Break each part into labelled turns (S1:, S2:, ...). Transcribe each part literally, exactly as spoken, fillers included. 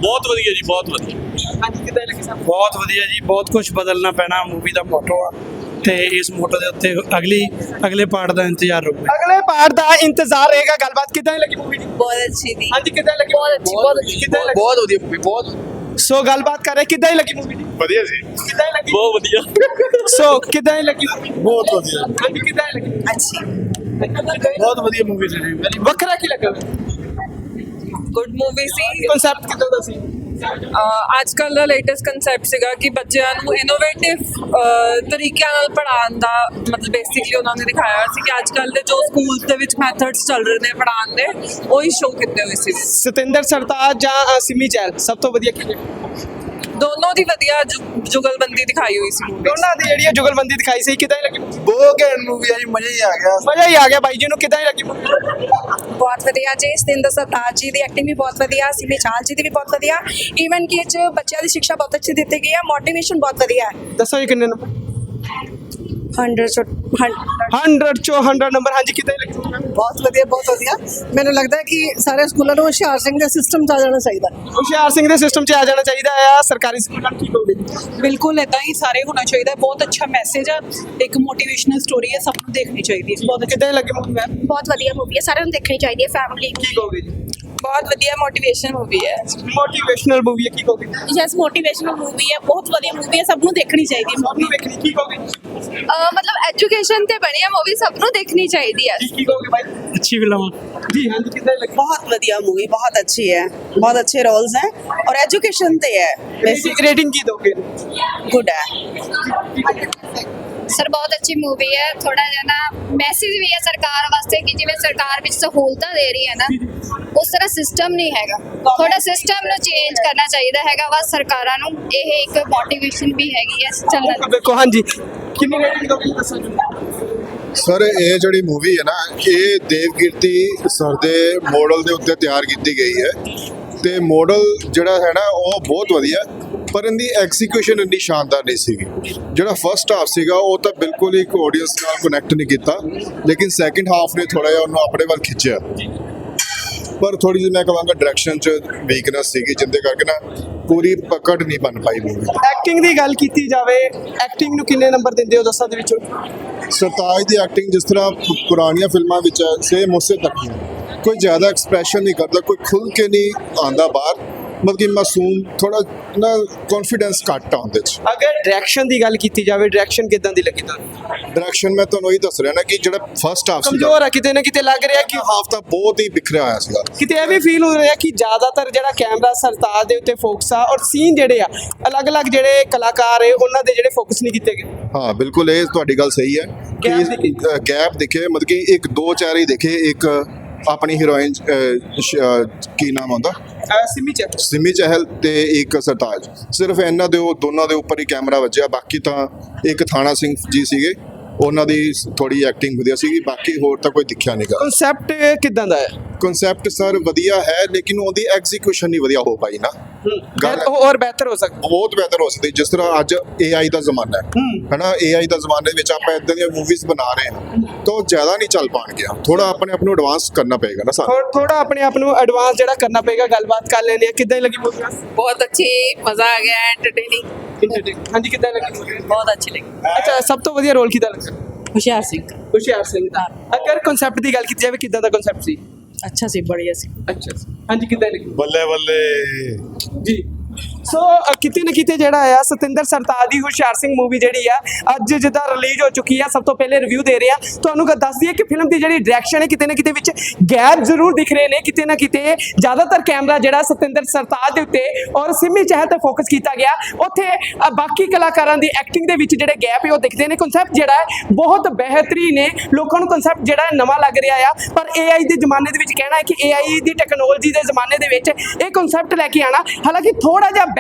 S1: ਬਹੁਤ ਵਧੀਆ ਜੀ, ਬਹੁਤ ਵਧੀਆ।
S2: ਹਾਂਜੀ ਕਿੱਦਾਂ ਲੱਗੀ ਸਭ?
S3: ਬਹੁਤ ਵਧੀਆ ਜੀ, ਬਹੁਤ ਕੁਝ ਬਦਲਣਾ ਪੈਣਾ ਮੂਵੀ ਦਾ ਮੋਟੋ ਆ ਤੇ ਇਸ ਮੋਟੋ ਦੇ ਉੱਤੇ ਅਗਲੀ ਅਗਲੇ ਪਾਰਟ ਦਾ ਇੰਤਜ਼ਾਰ ਰਹੂਗਾ।
S2: ਅਗਲੇ ਪਾਰਟ ਦਾ ਇੰਤਜ਼ਾਰ ਰਹੇਗਾ। ਗੱਲਬਾਤ ਕਿੱਦਾਂ ਲੱਗੀ ਮੂਵੀ ਦੀ?
S4: ਬਹੁਤ ਅੱਛੀ ਥी।
S2: ਹਾਂਜੀ ਕਿੱਦਾਂ ਲੱਗੀ? ਬਹੁਤ ਅੱਛੀ, ਬਹੁਤ ਅੱਛੀ। ਕਿੱਦਾਂ ਲੱਗੀ?
S1: ਬਹੁਤ ਵਧੀਆ ਮੂਵੀ, ਬਹੁਤ
S2: ਸੋ ਗੱਲਬਾਤ ਕਰ ਰਹੇ ਕਿੱਦਾਂ ਹੀ ਲੱਗੀ ਮੂਵੀ ਦੀ?
S1: ਵਧੀਆ ਸੀ,
S2: ਕਿੱਦਾਂ ਹੀ ਲੱਗੀ?
S1: ਬਹੁਤ ਵਧੀਆ।
S2: ਸੋ ਕਿੱਦਾਂ ਹੀ ਲੱਗੀ movie?
S3: ਬਹੁਤ ਵਧੀਆ,
S2: ਹਾਂਜੀ ਕਿੱਦਾਂ ਹੀ ਲੱਗੀ?
S4: अच्छी
S3: ਬਹੁਤ ਵਧੀਆ ਮੂਵੀ ਸੀ ਜੀ।
S2: ਵੱਖਰਾ ਕੀ ਲੱਗਾ?
S4: ਗੁੱਡ ਮੂਵੀ ਸੀ।
S2: ਕਨਸੈਪਟ ਕਿੱਦਾਂ ਦਾ ਸੀ?
S4: ਅੱਜ ਕੱਲ੍ਹ ਦਾ ਲੇਟੈਸਟ ਕਨਸੈਪਟ ਸੀਗਾ ਕਿ ਬੱਚਿਆਂ ਨੂੰ ਇਨੋਵੇਟਿਵ ਤਰੀਕਿਆਂ ਨਾਲ ਪੜ੍ਹਾਉਣ ਦਾ, ਮਤਲਬ ਬੇਸਿਕਲੀ ਉਹਨਾਂ ਨੇ ਦਿਖਾਇਆ ਸੀ ਕਿ ਅੱਜ ਕੱਲ੍ਹ ਦੇ ਜੋ ਸਕੂਲਸ ਦੇ ਵਿੱਚ ਮੈਥਡਸ ਚੱਲ ਰਹੇ ਨੇ ਪੜ੍ਹਾਉਣ ਦੇ, ਉਹੀ ਸ਼ੋਅ ਕੀਤੇ ਹੋਏ ਸੀ।
S2: ਸਤਿੰਦਰ ਸਰਤਾਜ ਜਾਂ ਅ, ਸਿਮੀ ਚਹਿਲ ਸਭ ਤੋਂ ਵਧੀਆ ਕੀ ਲੱਗੀ?
S4: ਦੋਨੋਂ ਦੀ ਵਧੀਆ ਜੁ- ਜੁਗਲਬੰਦੀ ਦਿਖਾਈ ਹੋਈ ਸੀ movie 'ਚ।
S2: ਦੋਨਾਂ ਦੀ ਜਿਹੜੀ ਜੁਗਲਬੰਦੀ ਦਿਖਾਈ ਸੀ ਕਿੱਦਾਂ ਹੀ ਲੱਗੀ?
S3: ਬਹੁਤ ਘੈਂਟ ਮੂਵੀ ਆ ਜੀ, ਮਜ਼ਾ ਹੀ ਆ ਗਿਆ।
S2: ਮਜ਼ਾ ਹੀ ਆ ਗਿਆ। ਬਾਈ ਜੀ ਨੂੰ ਕਿੱਦਾਂ ਹੀ ਲੱਗੀ movie?
S5: ਬਹੁਤ ਵਧੀਆ ਜੀ। ਸਤਿੰਦਰ ਸਰਤਾਜ ਜੀ ਦੀ ਐਕਟਿੰਗ ਵੀ ਬਹੁਤ ਵਧੀਆ, ਸਿਮੀ ਚਾਹਲ ਜੀ ਦੀ ਵੀ ਬਹੁਤ ਵਧੀਆ। ਈਵਨ ਕਿ ਇਹ 'ਚ ਬੱਚਿਆਂ ਦੀ ਸਿੱਖਿਆ ਬਹੁਤ ਅੱਛੀ ਦਿੱਤੀ ਗਈ ਹੈ, ਮੋਟੀਵੇਸ਼ਨ ਬਹੁਤ ਵਧੀਆ ਹੈ।
S2: ਦੱਸੋ ਜੀ ਕਿੰਨੇ ਨੰਬਰ?
S5: ਹੰਡਰਡ ਚੋਂ
S2: ਹੰਡਰਡ ਚੋਂ ਹੰਡਰਡ ਨੰਬਰ। ਹਾਂਜੀ ਕਿੱਦਾਂ ਹੀ ਲੱਗੀ?
S6: ਬਹੁਤ ਵਧੀਆ, ਬਹੁਤ ਵਧੀਆ। ਮੈਨੂੰ ਲੱਗਦਾ ਹੈ ਕਿ ਸਾਰੇ ਸਕੂਲਾਂ ਨੂੰ ਹੁਸ਼ਿਆਰ ਸਿੰਘ ਦੇ ਸਿਸਟਮ 'ਚ ਆ ਜਾਣਾ ਚਾਹੀਦਾ।
S2: ਹੁਸ਼ਿਆਰ ਸਿੰਘ ਦੇ ਸਿਸਟਮ 'ਚ ਆ ਜਾਣਾ ਚਾਹੀਦਾ ਆ। ਸਰਕਾਰੀ ਸਕੂਲਾਂ ਨੂੰ ਠੀਕ ਹੋਵੇ।
S7: ਬਿਲਕੁਲ ਇਦਾਂ ਹੀ ਸਾਰੇ ਹੋਣਾ ਚਾਹੀਦਾ। ਬਹੁਤ ਅੱਛਾ ਮੈਸੇਜ ਆ, ਇੱਕ ਮੋਟੀਵੇਸ਼ਨਲ ਸਟੋਰੀ ਹੈ, ਸਭ ਨੂੰ ਦੇਖਣੀ ਚਾਹੀਦੀ ਹੈ।
S2: ਬਹੁਤ ਕਿੱਦਾਂ ਹੀ ਲੱਗੀ ਮੂਵੀ? ਮੈਂ
S5: ਬਹੁਤ ਵਧੀਆ ਮੂਵੀ ਹੈ, ਸਾਰਿਆਂ ਨੂੰ ਦੇਖਣੀ ਚਾਹੀਦੀ ਹੈ, ਫੈਮਿਲੀ।
S2: ਕੀ ਕਹੋਗੇ ਜੀ?
S4: ਬਹੁਤ ਵਧੀਆ ਮੋਟੀਵੇਸ਼ਨ ਮੂਵੀ ਹੈ।
S2: ਮੋਟੀਵੇਸ਼ਨਲ ਮੂਵੀ ਹੈ, ਕੀ ਕਹੋਗੇ?
S7: ਯੈਸ, ਮੋਟੀਵੇਸ਼ਨਲ ਮੂਵੀ ਹੈ, ਬਹੁਤ ਵਧੀਆ ਮੂਵੀ ਹੈ, ਸਭ ਨੂੰ ਦੇਖਣੀ ਚਾਹੀਦੀ ਹੈ।
S2: ਸਭ ਨੂੰ ਵੇਖਣੀ। ਕੀ ਕਹੋਗੇ?
S4: ਮਤਲਬ ਐਜੂਕੇਸ਼ਨ ਤੇ ਬਣੀ ਹੈ ਮੂਵੀ, ਸਭ ਨੂੰ ਦੇਖਣੀ ਚਾਹੀਦੀ ਹੈ।
S2: ਕੀ ਕੀ ਕਹੋਗੇ ਭਾਈ?
S3: ਅੱਛੀ ਫਿਲਮ
S2: ਜੀ ਹਾਂਜੀ ਕਿੱਦਾਂ ਹੀ ਲੱਗੀ?
S6: बहुत बढ़िया मूवी, बहुत अच्छी है, बहुत अच्छे रोल्स हैं और एजुकेशन पे है, बेसिक
S2: रेटिंग ਕੀ ਦੋਗੇ?
S6: गुड है।
S5: ਸਰ ਬਹੁਤ ਅੱਛੀ ਮੂਵੀ ਹੈ। ਥੋੜਾ ਜਿਹਾ ਨਾ ਮੈਸੇਜ ਵੀ ਹੈ ਸਰਕਾਰ ਵਾਸਤੇ ਕਿ ਜਿਵੇਂ ਸਰਕਾਰ ਵਿੱਚ ਸਹੂਲਤਾਂ ਦੇ ਰਹੀ ਹੈ ਨਾ, ਉਸ ਤਰ੍ਹਾਂ ਸਿਸਟਮ ਨਹੀਂ ਹੈਗਾ। ਥੋੜਾ ਸਿਸਟਮ ਨੂੰ ਚੇਂਜ ਕਰਨਾ ਚਾਹੀਦਾ ਹੈਗਾ ਵਾ ਸਰਕਾਰਾਂ ਨੂੰ। ਇਹ ਇੱਕ ਮੋਟੀਵੇਸ਼ਨ ਵੀ ਹੈਗੀ ਹੈ ਚੱਲਣ।
S2: ਵੇਖੋ ਹਾਂਜੀ ਕਿੰਨੀ ਰੇਟਿੰਗ ਦੋਗੇ ਦੱਸੋ ਜੀ?
S8: ਸਰ ਇਹ ਜਿਹੜੀ ਮੂਵੀ ਹੈ ਨਾ, ਇਹ ਦੇਵਕੀਰਤੀ ਸਰ ਦੇ ਮਾਡਲ ਦੇ ਉੱਤੇ ਤਿਆਰ ਕੀਤੀ ਗਈ ਹੈ ਤੇ ਮਾਡਲ ਜਿਹੜਾ ਹੈ ਨਾ ਉਹ ਬਹੁਤ ਵਧੀਆ, ਪਰ ਇਹਦੀ ਐਗਜ਼ੀਕਿਊਸ਼ਨ ਇੰਨੀ ਸ਼ਾਨਦਾਰ ਨਹੀਂ ਸੀਗੀ। ਜਿਹੜਾ ਫਰਸਟ ਹਾਫ ਸੀਗਾ ਉਹ ਤਾਂ ਬਿਲਕੁਲ ਇੱਕ ਆਡੀਅנס ਨਾਲ ਕਨੈਕਟ ਨਹੀਂ ਕੀਤਾ, ਲੇਕਿਨ ਸੈਕਿੰਡ ਹਾਫ ਨੇ ਥੋੜਾ ਜਿਹਾ ਉਹਨੂੰ ਆਪਣੇ ਵੱਲ ਖਿੱਚਿਆ। ਪਰ ਥੋੜੀ ਜਿਹੀ ਮੈਂ ਕਹਾਂਗਾ ਡਾਇਰੈਕਸ਼ਨ 'ਚ ਵੀਕਨੈਸ ਸੀਗੀ, ਜਿੰਦੇ ਕਰਕੇ ਨਾ ਪੂਰੀ ਪਕੜ ਨਹੀਂ ਬਣ ਪਾਈ ਮੂਵੀ।
S2: ਐਕਟਿੰਗ ਦੀ ਗੱਲ ਕੀਤੀ ਜਾਵੇ, ਐਕਟਿੰਗ ਨੂੰ ਕਿੰਨੇ ਨੰਬਰ ਦਿੰਦੇ ਹੋ ਦਸਾਂ ਦੇ ਵਿੱਚੋਂ?
S8: ਸਰਤਾਜ ਦੀ ਐਕਟਿੰਗ ਜਿਸ ਤਰ੍ਹਾਂ ਪੁ- ਪੁਰਾਣੀਆਂ ਫਿਲਮਾਂ ਵਿੱਚ ਹੈ, ਸੇਮ ਉਸੇ ਤੱਕ ਹੀ ਹੈ। ਕੋਈ ਜ਼ਿਆਦਾ ਐਕਸਪ੍ਰੈਸ਼ਨ ਨਹੀਂ ਕਰਦਾ, ਕੋਈ ਖੁੱਲ ਕੇ ਨਹੀਂ ਆਉਂਦਾ ਬਾਹਰ, ਮਤਲਬ ਕਿ ਮਾਸੂਮ, ਥੋੜਾ ਨਾ ਕੌਨਫੀਡੈਂਸ ਘੱਟ ਆ ਉਹਦੇ 'ਚ।
S2: ਅਗਰ ਡਾਇਰੈਕਸ਼ਨ ਦੀ ਗੱਲ ਕੀਤੀ ਜਾਵੇ, ਡਾਇਰੈਕਸ਼ਨ ਕਿਦਾਂ ਦੀ ਲੱਗੀ ਤੁਹਾਨੂੰ?
S8: ਡਾਇਰੈਕਸ਼ਨ ਮੈਂ ਤੁਹਾਨੂੰ ਇਹੀ ਦੱਸ ਰਿਹਾ ਨਾ ਕਿ ਜਿਹੜਾ ਫਰਸਟ ਹਾਫ ਸੀਗਾ,
S2: ਕਮਜ਼ੋਰ ਆ ਕਿਤੇ ਨਾ ਕਿਤੇ, ਲੱਗ ਰਿਹਾ ਕਿ
S8: ਹਾਫ ਤਾਂ ਬਹੁਤ ਹੀ ਬਿਖਰਿਆ ਹੋਇਆ ਸੀਗਾ।
S2: ਕਿਤੇ ਇਹ ਵੀ ਫੀਲ ਹੋ ਰਿਹਾ ਕਿ ਜ਼ਿਆਦਾਤਰ ਜਿਹੜਾ ਕੈਮਰਾ ਸਰਤਾਜ ਦੇ ਉੱਤੇ ਫੋਕਸ ਆ, ਔਰ ਸੀਨ ਜਿਹੜੇ ਆ ਅਲੱਗ-ਅਲੱਗ ਜਿਹੜੇ ਕਲਾਕਾਰ ਹੈ ਉਹਨਾਂ ਦੇ ਜਿਹੜੇ ਫੋਕਸ ਨਹੀਂ ਕੀਤੇ ਗਏ।
S8: ਹਾਂ ਬਿਲਕੁਲ, ਇਹ ਤੁਹਾਡੀ ਗੱਲ ਸਹੀ ਹੈ
S2: Gap ਦਿਖੇ।
S8: ਕਿ ਗੈਪ ਦਿਖੇ, ਮਤਲਬ ਕਿ ਇੱਕ ਦੋ ਚਾਰ ਹੀ ਦਿਖੇ। ਇੱਕ ਆਪਣੀ ਹੀਰੋਇਨ ਕੀ ਨਾਮ ਆਉਂਦਾ,
S2: ਅਹ ਸਿਮੀ ਚ
S8: ਸਿਮੀ ਚਹਿਲ ਤੇ ਇੱਕ ਸਰਤਾਜ, ਸਿਰਫ ਇਹਨਾਂ ਦੇ ਉਹ ਦੋਨਾਂ ਦੇ ਉੱਪਰ ਹੀ ਕੈਮਰਾ ਵੱਜਿਆ। ਬਾਕੀ ਤਾਂ ਇੱਕ ਥਾਣਾ ਸਿੰਘ ਜੀ ਸੀਗੇ, ਉਹਨਾਂ ਦੀ ਥੋੜੀ ਐਕਟਿੰਗ ਵਧੀਆ ਸੀਗੀ, ਬਾਕੀ ਹੋਰ ਤਾਂ ਕੋਈ ਦਿਖਿਆ ਨਹੀਂਗਾ।
S2: ਕਨਸੈਪਟ ਕਿਦਾਂ ਦਾ ਹੈ?
S8: ਕਨਸੈਪਟ ਸਰ ਵਧੀਆ ਹੈ, ਲੇਕਿਨ ਉਹਦੀ ਐਗਜ਼ੀਕਿਊਸ਼ਨ ਨਹੀਂ ਵਧੀਆ ਹੋ ਪਾਈ ਨਾ। ਗੱਲ
S2: ਹੋਰ ਬਿਹਤਰ ਹੋ ਸਕਦਾ।
S8: ਬਹੁਤ ਬਿਹਤਰ ਹੋ ਸਕਦੀ, ਜਿਸ ਤਰ੍ਹਾਂ ਅੱਜ ਏ ਆਈ ਦਾ ਜ਼ਮਾਨਾ ਹੈ ਹਨਾ, ਏ ਆਈ ਦਾ ਜ਼ਮਾਨੇ ਵਿੱਚ ਆਪਾਂ ਇਦਾਂ ਦੀਆਂ ਮੂਵੀਜ਼ ਬਣਾ ਰਹੇ ਹਾਂ ਤਾਂ ਉਹ ਜ਼ਿਆਦਾ ਨਹੀਂ ਚੱਲ ਪਾਉਣਗੀਆਂ। ਥੋੜਾ ਆਪਣੇ ਆਪ ਨੂੰ ਐਡਵਾਂਸ ਕਰਨਾ ਪਏਗਾ ਨਾ ਸਾਨੂੰ,
S2: ਥੋੜਾ ਆਪਣੇ ਆਪ ਨੂੰ ਐਡਵਾਂਸ ਜਿਹੜਾ ਕਰਨਾ ਪਏਗਾ। ਗੱਲਬਾਤ ਕਰ ਲੈਂਦੇ ਆ, ਕਿੱਦਾਂ ਹੀ ਲੱਗੀ ਮੂਵੀ?
S4: ਬਹੁਤ ਅੱਛੀ, ਮਜ਼ਾ ਆ ਗਿਆ, ਐਂਟਰਟੇਨਿੰਗ।
S2: ਹਾਂਜੀ ਕਿੱਦਾਂ ਲੱਗੀ movie?
S7: ਬਹੁਤ ਅੱਛੀ ਲੱਗੀ।
S2: ਅੱਛਾ, ਸਭ ਤੋਂ ਵਧੀਆ ਰੋਲ ਕਿਹਦਾ ਲੱਗਾ?
S7: ਹੁਸ਼ਿਆਰ ਸਿੰਘ
S2: ਹੁਸ਼ਿਆਰ ਸਿੰਘ ਦਾ। ਅਗਰ ਕਨਸੈਪਟ ਦੀ ਗੱਲ ਕੀਤੀ ਜਾਵੇ, ਕਿੱਦਾਂ ਦਾ ਕਨਸੈਪਟ ਸੀ?
S7: ਅੱਛਾ ਸੀ, ਬੜੀਆ ਸੀ।
S2: ਅੱਛਾ ਹਾਂਜੀ ਕਿੱਦਾਂ ਲੱਗੀ?
S1: ਬੱਲੇ ਬੱਲੇ।
S2: ਜੀ ਸੋ ਅ, ਕਿਤੇ ਨਾ ਕਿਤੇ ਜਿਹੜਾ ਆ ਸਤਿੰਦਰ ਸਰਤਾਜ ਦੀ ਹੁਸ਼ਿਆਰ ਸਿੰਘ ਮੂਵੀ ਜਿਹੜੀ ਆ ਅੱਜ ਜਿੱਦਾਂ ਰਿਲੀਜ਼ ਹੋ ਚੁੱਕੀ ਆ, ਸਭ ਤੋਂ ਪਹਿਲੇ ਰਿਵਿਊ ਦੇ ਰਹੇ ਆ ਤੁਹਾਨੂੰ। ਗੱਲ ਦੱਸ ਦਈਏ ਕਿ ਫਿਲਮ ਦੀ ਜਿਹੜੀ ਡਾਇਰੈਕਸ਼ਨ ਹੈ, ਕਿਤੇ ਨਾ ਕਿਤੇ ਵਿੱਚ ਗੈਪ ਜ਼ਰੂਰ ਦਿਖ ਰਹੇ ਨੇ। ਕਿਤੇ ਨਾ ਕਿਤੇ ਜ਼ਿਆਦਾਤਰ ਕੈਮਰਾ ਜਿਹੜਾ ਸਤਿੰਦਰ ਸਰਤਾਜ ਦੇ ਉੱਤੇ ਔਰ ਸਿਮੀ ਚਹਿਲ ਤੇ ਫੋਕਸ ਕੀਤਾ ਗਿਆ, ਉੱਥੇ ਅ, ਬਾਕੀ ਕਲਾਕਾਰਾਂ ਦੀ ਐਕਟਿੰਗ ਦੇ ਵਿੱਚ ਜਿਹੜੇ ਗੈਪ ਹੈ ਉਹ ਦਿਖਦੇ ਨੇ। ਕਨਸੈਪਟ ਜਿਹੜਾ ਹੈ ਬਹੁਤ ਬਿਹਤਰੀਨ ਹੈ, ਲੋਕਾਂ ਨੂੰ ਕਨਸੈਪਟ ਜਿਹੜਾ ਹੈ ਨਵਾਂ ਲੱਗ ਰਿਹਾ ਆ। ਪਰ ਏ ਆਈ ਦੇ ਜ਼ਮਾਨੇ ਦੇ ਵਿੱਚ ਕਹਿਣਾ ਹੈ ਕਿ ਏ ਆਈ ਦੀ ਟੈਕਨੋਲੋਜੀ ਦੇ ਜ਼ਮਾਨੇ ਦੇ ਵਿੱਚ ਇਹ ਕਨਸੈਪਟ ਲੈ ਕੇ ਆਣਾ, ਹਾਲਾਂਕਿ ਥੋੜਾ ਜਿਹਾ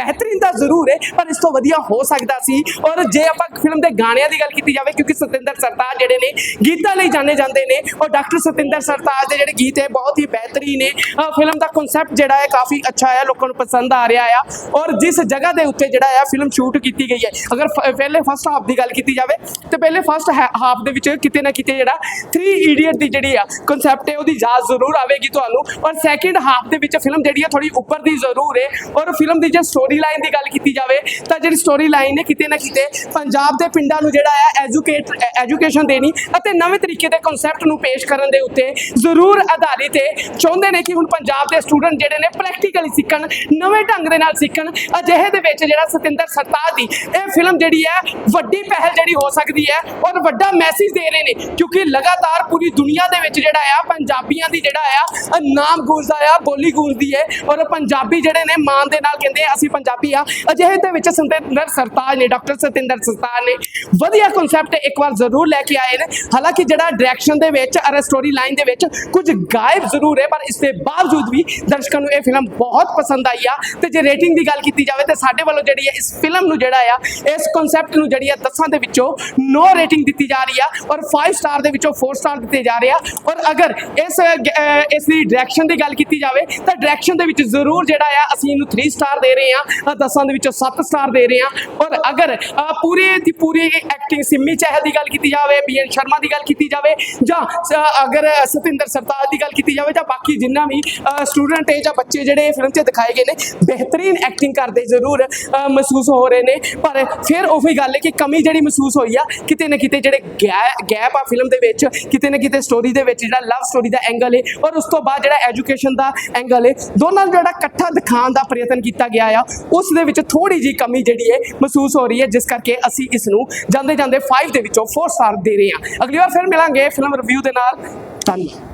S2: ਬਿਹਤਰੀਨ ਤਾਂ ਜ਼ਰੂਰ ਹੈ ਪਰ ਇਸ ਤੋਂ ਵਧੀਆ ਹੋ ਸਕਦਾ ਸੀ। ਔਰ ਜੇ ਆਪਾਂ ਫਿਲਮ ਦੇ ਗਾਣਿਆਂ ਦੀ ਗੱਲ ਕੀਤੀ ਜਾਵੇ, ਕਿਉਂਕਿ ਸਤਿੰਦਰ ਸਰਤਾਜ ਜਿਹੜੇ ਨੇ ਗੀਤਾਂ ਲਈ ਜਾਣੇ ਜਾਂਦੇ ਨੇ, ਔਰ ਡਾਕਟਰ ਸਤਿੰਦਰ ਸਰਤਾਜ ਦੇ ਜਿਹੜੇ ਗੀਤ ਹੈ ਬਹੁਤ ਹੀ ਬਿਹਤਰੀਨ ਨੇ। ਫਿਲਮ ਦਾ ਕਨਸੈਪਟ ਜਿਹੜਾ ਹੈ ਕਾਫੀ ਅੱਛਾ ਹੈ, ਲੋਕਾਂ ਨੂੰ ਪਸੰਦ ਆ ਰਿਹਾ ਆ। ਔਰ ਜਿਸ ਜਗ੍ਹਾ ਦੇ ਉੱਤੇ ਜਿਹੜਾ ਆ ਫਿਲਮ ਸ਼ੂਟ ਕੀਤੀ ਗਈ ਹੈ, ਅਗਰ ਫ- ਪਹਿਲੇ ਫਸਟ ਹਾਫ ਦੀ ਗੱਲ ਕੀਤੀ ਜਾਵੇ ਤੇ ਪਹਿਲੇ ਫਸਟ ਹਾਫ ਦੇ ਵਿੱਚ ਕਿਤੇ ਨਾ ਕਿਤੇ ਜਿਹੜਾ ਥ੍ਰੀ ਇਡੀਅਟ ਦੀ ਜਿਹੜੀ ਆ ਕਨਸੈਪਟ ਹੈ ਉਹਦੀ ਯਾਦ ਜ਼ਰੂਰ ਆਵੇਗੀ ਤੁਹਾਨੂੰ। ਔਰ ਸੈਕਿੰਡ ਹਾਫ ਦੇ ਵਿੱਚ ਫਿਲਮ ਜਿਹੜੀ ਆ ਥੋੜੀ ਉੱਪਰ ਦੀ ਜ਼ਰੂਰ ਹੈ। ਔਰ ਫਿਲਮ ਦੀ ਜੇ ਸਟੋਰੀ ਲਾਈਨ ਦੀ ਗੱਲ ਕੀਤੀ ਜਾਵੇ ਤਾਂ ਜਿਹੜੀ ਸਟੋਰੀ ਲਾਈਨ ਹੈ ਕਿਤੇ ਨਾ ਕਿਤੇ ਪੰਜਾਬ ਦੇ ਪਿੰਡਾਂ ਨੂੰ ਜਿਹੜਾ ਆ ਐਜੂਕੇਟ ਐਜੂਕੇਸ਼ਨ ਦੇਣੀ ਅਤੇ ਨਵੇਂ ਤਰੀਕੇ ਦੇ ਕਨਸੈਪਟ ਨੂੰ ਪੇਸ਼ ਕਰਨ ਦੇ ਉੱਤੇ ਜ਼ਰੂਰ ਆਧਾਰਿਤ ਹੈ। ਚਾਹੁੰਦੇ ਨੇ ਕਿ ਹੁਣ ਪੰਜਾਬ ਦੇ ਸਟੂਡੈਂਟ ਜਿਹੜੇ ਨੇ ਪ੍ਰੈਕਟੀਕਲੀ ਸਿੱਖਣ, ਨਵੇਂ ਢੰਗ ਦੇ ਨਾਲ ਸਿੱਖਣ। ਅਜਿਹੇ ਦੇ ਵਿੱਚ ਜਿਹੜਾ ਸਤਿੰਦਰ ਸਰਤਾਜ ਦੀ ਇਹ ਫਿਲਮ ਜਿਹੜੀ ਹੈ ਵੱਡੀ ਪਹਿਲ ਜਿਹੜੀ ਹੋ ਸਕਦੀ ਹੈ ਔਰ ਵੱਡਾ ਮੈਸੇਜ ਦੇ ਰਹੇ ਨੇ, ਕਿਉਂਕਿ ਲਗਾਤਾਰ ਪੂਰੀ ਦੁਨੀਆ ਦੇ ਵਿੱਚ ਜਿਹੜਾ ਆ ਪੰਜਾਬੀਆਂ ਦੀ ਜਿਹੜਾ ਆ ਨਾਮ ਗੂੰਜਦਾ ਆ, ਬੋਲੀ ਗੂੰਜਦੀ ਹੈ ਔਰ ਪੰਜਾਬੀ ਜਿਹੜੇ ਨੇ ਮਾਣ ਦੇ ਨਾਲ ਕਹਿੰਦੇ ਅਸੀਂ ਪੰਜਾਬੀ ਆ। ਅਜਿਹੇ ਦੇ ਵਿੱਚ ਸਤਿੰਦਰ ਸਰਤਾਜ ਨੇ, ਡਾਕਟਰ ਸਤਿੰਦਰ ਸਰਤਾਜ ਨੇ ਵਧੀਆ ਕਨਸੈਪਟ ਇੱਕ ਵਾਰ ਜ਼ਰੂਰ ਲੈ ਕੇ ਆਏ ਨੇ। ਹਾਲਾਂਕਿ ਜਿਹੜਾ ਡਾਇਰੈਕਸ਼ਨ ਦੇ ਵਿੱਚ ਔਰ ਸਟੋਰੀ ਲਾਈਨ ਦੇ ਵਿੱਚ ਕੁਝ ਗਾਇਬ ਜ਼ਰੂਰ ਹੈ, ਪਰ ਇਸ ਦੇ ਬਾਵਜੂਦ ਵੀ ਦਰਸ਼ਕਾਂ ਨੂੰ ਇਹ ਫਿਲਮ ਬਹੁਤ ਪਸੰਦ ਆਈ ਆ। ਤੇ ਜੇ ਰੇਟਿੰਗ ਦੀ ਗੱਲ ਕੀਤੀ ਜਾਵੇ ਤੇ ਸਾਡੇ ਵੱਲੋਂ ਜਿਹੜੀ ਹੈ ਇਸ ਫਿਲਮ ਨੂੰ ਜਿਹੜਾ ਆ ਇਸ ਕਨਸੈਪਟ ਨੂੰ ਜਿਹੜੀ ਆ ਦਸਾਂ ਦੇ ਵਿੱਚੋਂ ਨੌ ਰੇਟਿੰਗ ਦਿੱਤੀ ਜਾ ਰਹੀ ਆ ਔਰ ਪੰਜ ਸਟਾਰ ਦੇ ਵਿੱਚੋਂ ਚਾਰ ਸਟਾਰ ਦਿੱਤੇ ਜਾ ਰਹੇ ਆ। ਔਰ ਅਗਰ ਇਸ ਅਹ, ਇਸ ਦੀ ਡਾਇਰੈਕਸ਼ਨ ਦੀ ਗੱਲ ਕੀਤੀ ਜਾਵੇ ਤਾਂ ਡਾਇਰੈਕਸ਼ਨ ਦੇ ਵਿੱਚ ਜ਼ਰੂਰ ਜਿਹੜਾ ਆ ਅਸੀਂ ਇਹਨੂੰ ਤਿੰਨ ਸਟਾਰ ਦੇ ਰਹੇ ਆ, ਦਸਾਂ ਦੇ ਵਿੱਚੋਂ ਸੱਤ ਸਟਾਰ ਦੇ ਰਹੇ ਆ। ਔਰ ਅਗਰ ਅਹ, ਪੂਰੀ ਦੀ ਪੂਰੀ ਐਕਟਿੰਗ ਸਿੰਮੀ ਚਹਿਲ ਦੀ ਗੱਲ ਕੀਤੀ ਜਾਵੇ, ਬੀ ਐਨ ਸ਼ਰਮਾ ਦੀ ਗੱਲ ਕੀਤੀ ਜਾਵੇ ਜਾਂ ਅਹ, ਅਗਰ ਸਤਿੰਦਰ ਸਰਤਾਜ ਦੀ ਗੱਲ ਕੀਤੀ ਜਾਵੇ ਜਾਂ ਬਾਕੀ ਜਿੰਨਾ ਵੀ ਸਟੂਡੈਂਟ ਹੈ ਜਾਂ ਬੱਚੇ ਜਿਹੜੇ ਫਿਲਮ 'ਚ ਦਿਖਾਏ ਗਏ ਨੇ ਬਿਹਤਰੀਨ ਐਕਟਿੰਗ ਕਰਦੇ ਜ਼ਰੂਰ ਅਹ, ਮਹਿਸੂਸ ਹੋ ਰਹੇ ਨੇ। ਪਰ ਫਿਰ ਉਹੀ ਗੱਲ ਹੈ ਕਿ ਕਮੀ ਜਿਹੜੀ ਮਹਿਸੂਸ ਹੋਈ ਆ ਕਿਤੇ ਨਾ ਕਿਤੇ ਜਿਹੜੇ ਗੈਪ ਆ ਫਿਲਮ ਦੇ ਵਿੱਚ, ਕਿਤੇ ਨਾ ਕਿਤੇ ਸਟੋਰੀ ਦੇ ਵਿੱਚ ਜਿਹੜਾ ਲਵ ਸਟੋਰੀ ਦਾ ਐਂਗਲ ਹੈ ਔਰ ਉਸ ਤੋਂ ਬਾਅਦ ਜਿਹੜਾ ਐਜੂਕੇਸ਼ਨ ਦਾ ਐਂਗਲ ਹੈ, ਦੋਨਾਂ ਨੂੰ ਜਿਹੜਾ ਇਕੱਠਾ ਦਿਖਾਉਣ ਦਾ ਪ੍ਰਯਤਨ ਕੀਤਾ ਗਿਆ ਆ ਉਸ ਦੇ ਵਿੱਚ ਥੋੜੀ ਜੀ ਕਮੀ ਜਿਹੜੀ ਹੈ ਮਹਿਸੂਸ ਹੋ ਰਹੀ ਹੈ, ਜਿਸ ਕਰਕੇ ਅਸੀਂ ਇਸ ਨੂੰ ਜਾਂਦੇ ਜਾਂਦੇ ਪੰਜ ਦੇ ਵਿੱਚੋਂ ਚਾਰ ਸਟਾਰ ਦੇ ਰਹੇ ਹਾਂ। ਅਗਲੀ ਵਾਰ ਫਿਰ ਮਿਲਾਂਗੇ ਫਿਲਮ ਰਿਵਿਊ ਦੇ ਨਾਲ। ਧੰਨਵਾਦ।